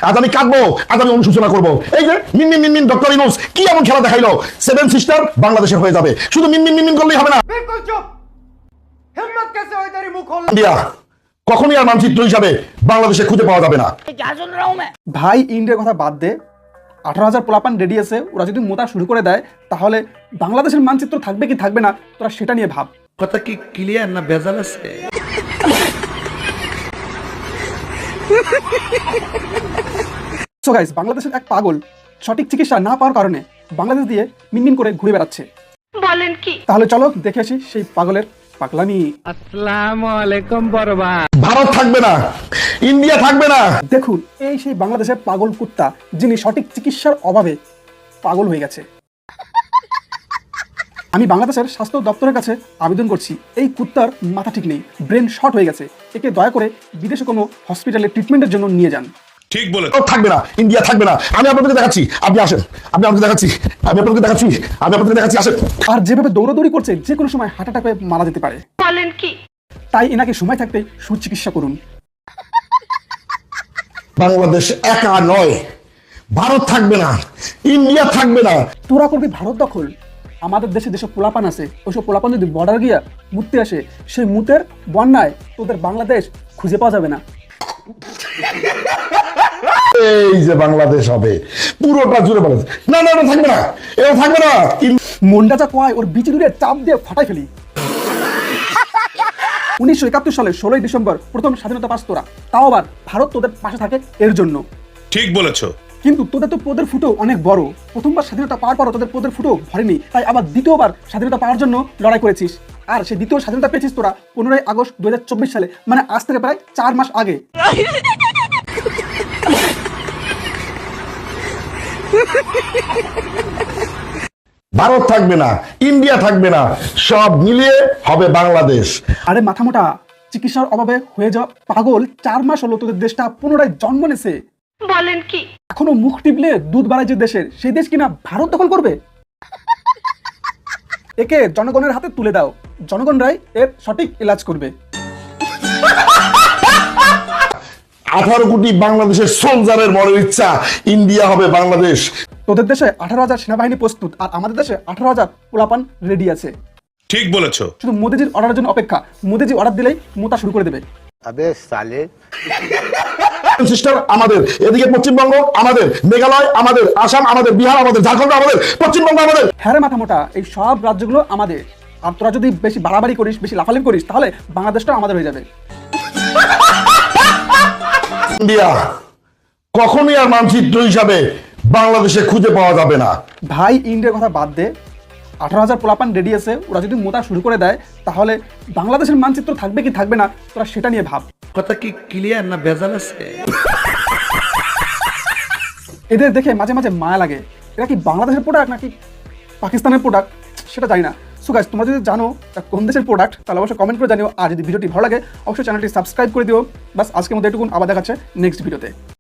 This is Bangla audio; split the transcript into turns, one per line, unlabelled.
আজ আমি কাঁদবো, আজ আমি অনুশোচনা করবো। এই যে মিনমিন মিনমিন ডক্টর ইউনূস কি এমন খেলা দেখাইলো, সেভেন সিস্টার বাংলাদেশের হয়ে যাবে। শুধু মিনমিন মিনমিন করলেই হবে না।
बिल्कुल चुप। हिम्मत कैसे हुई तेरी मुंह खोलने?
ইন্ডিয়া কখনই আর মানচিত্র হিসাবে বাংলাদেশে খুঁজে পাওয়া যাবে না।
ভাই ইন্ডিয়ার কথা বাদ দে, 18,000 পোলাপান রেডি আছে, ওরা যদি মোতা শুরু করে দেয় তাহলে বাংলাদেশের মানচিত্র থাকবে কি থাকবে না তোরা সেটা নিয়ে ভাব।
কথা কি ক্লিয়ার না ভেজাল আছে?
সো গাইস, বাংলাদেশের এক পাগল সঠিক চিকিৎসা না পাওয়ার কারণে বাংলাদেশ দিয়ে মিনমিন করে ঘুরে বেড়াচ্ছে।
বলেন কি?
তাহলে চলো দেখে আসি সেই পাগলের পাগলামি।
ভারত থাকবে না, ইন্ডিয়া থাকবে না।
দেখুন, এই সেই বাংলাদেশের পাগল কুত্তা যিনি সঠিক চিকিৎসার অভাবে পাগল হয়ে গেছে। আমি বাংলাদেশের স্বাস্থ্য দপ্তরের কাছে আবেদন করছি, এই কুত্তার মাথা ঠিক নেই, ব্রেন শর্ট হয়ে গেছে, একে দয়া করে বিদেশে কোনো হসপিটালে ট্রিটমেন্টের জন্য নিয়ে যান।
ভারত থাকবে না, ইন্ডিয়া থাকবে না। আমি আপনাদেরকে দেখাচ্ছি, আপনি আসেন। আমি আপনাকে দেখাচ্ছি, আমি আপনাদেরকে দেখাচ্ছি, আমি আপনাদেরকে দেখাচ্ছি, আসেন।
আর যেভাবে দৌড়াদৌড়ি করছে যে কোনো সময় হার্ট অ্যাটাক হয়ে মারা যেতে পারে।
বলেন কি?
তাই এনাকে সময় থাকতে সুচিকিৎসা করুন।
বাংলাদেশ একা নয়, ভারত থাকবে না, ইন্ডিয়া থাকবে না।
তোরা করবি ভারত দখল, আমাদের দেশে যেসব পোলাপান আছে ওইসব পোলাপান যদি বর্ডার গিয়া মুততে আসে, সেই মুতের বন্যায় তোদের বাংলাদেশ খুঁজে পাওয়া যাবে না।
এই যে বাংলাদেশ হবে পুরোটা জুড়ে বাংলাদেশ। না না না, থাকবে না, এটা থাকবে না।
মন্ডা যা কয় ওর বিচি দূরে চাপ দিয়ে ফাটাই ফেলি। 1971 সালে 16 ডিসেম্বর প্রথম স্বাধীনতা পাস তোরা, তাও আবার ভারত তোদের পাশে থাকে এর জন্য।
ঠিক বলেছো।
কিন্তু তোদের তো পোদের ফুটো অনেক বড়, প্রথমবার স্বাধীনতা পাওয়ার পরও তোদের পোদের ফুটো ভরেনি, তাই আবার দ্বিতীয়বার স্বাধীনতা পাওয়ার জন্য লড়াই করেছিস। আর সেই দ্বিতীয় স্বাধীনতা পেয়েছিস তোরা 15 আগস্ট 2024 সালে, মানে আজ থেকে প্রায় 4 মাস আগে।
ভারত থাকবে না, ইন্ডিয়া থাকবে না, সব মিলিয়ে হবে বাংলাদেশ।
আরে মাথা মোটা, চিকিৎসার অভাবে হয়ে যাওয়া পাগল 4 মাস হলো তোদের দেশটা পুনরায় জন্ম নেছে।
বলেন কি?
এখনো মুখ টিপলে দুধ বাড়ায় যে দেশের, সেই দেশ কিনা ভারত দখল করবে? একে জনগণের হাতে তুলে দাও, জনগণরাই এর সঠিক ইলাজ করবে।
18 কোটি বাংলাদেশের সোলজারের বড় ইচ্ছা, ইন্ডিয়া হবে বাংলাদেশ।
তোদের দেশে 18,000 সেনাবাহিনী প্রস্তুত, আর আমাদের দেশে 18,000 পোলাপান রেডি আছে।
ঠিক বলেছো।
শুধু মোদিজির অর্ডারের জন্য অপেক্ষা, মোদিজি অর্ডার দিলেই মোতা শুরু করে দেবে।
সিস্টার আমাদের, এদিকে পশ্চিমবঙ্গ আমাদের, মেঘালয় আমাদের, আসাম আমাদের, বিহার আমাদের, ঝাড়খণ্ড আমাদের, পশ্চিমবঙ্গ আমাদের।
হ্যাঁ রে মাথা মোটা, এই সব রাজ্যগুলো আমাদের। আর তোরা যদি বেশি বাড়াবাড়ি করিস, বেশি লাফালাফি করিস, তাহলে বাংলাদেশটা আমাদের হয়ে যাবে।
ইন্ডিয়া কখনই আর মানচিত্র হিসাবে বাংলাদেশে খুঁজে পাওয়া যাবে না।
ভাই ইন্ডিয়ার কথা বাদ দে, 18,000 পোলাপান রেডি আছে, ওরা যদি মোতা শুরু করে দেয় তাহলে বাংলাদেশের মানচিত্র থাকবে কি থাকবে না তোরা সেটা নিয়ে ভাব।
কথা কি ক্লিয়ার না ভেজাল আছে?
এদের দেখে মাঝে মাঝে মায়া লাগে, এরা কি বাংলাদেশের প্রোডাক্ট নাকি পাকিস্তানের প্রোডাক্ট সেটা জানি না। সো গাইস, তোমরা যদি জানো এটা কোন দেশের প্রোডাক্ট তাহলে অবশ্যই কমেন্ট করে জানিও। আর যদি ভিডিওটি ভালো লাগে অবশ্যই চ্যানেলটি সাবস্ক্রাইব করে দিও। বাস আজকের মধ্যে এটুকুন, আবার দেখাচ্ছে নেক্সট ভিডিওতে।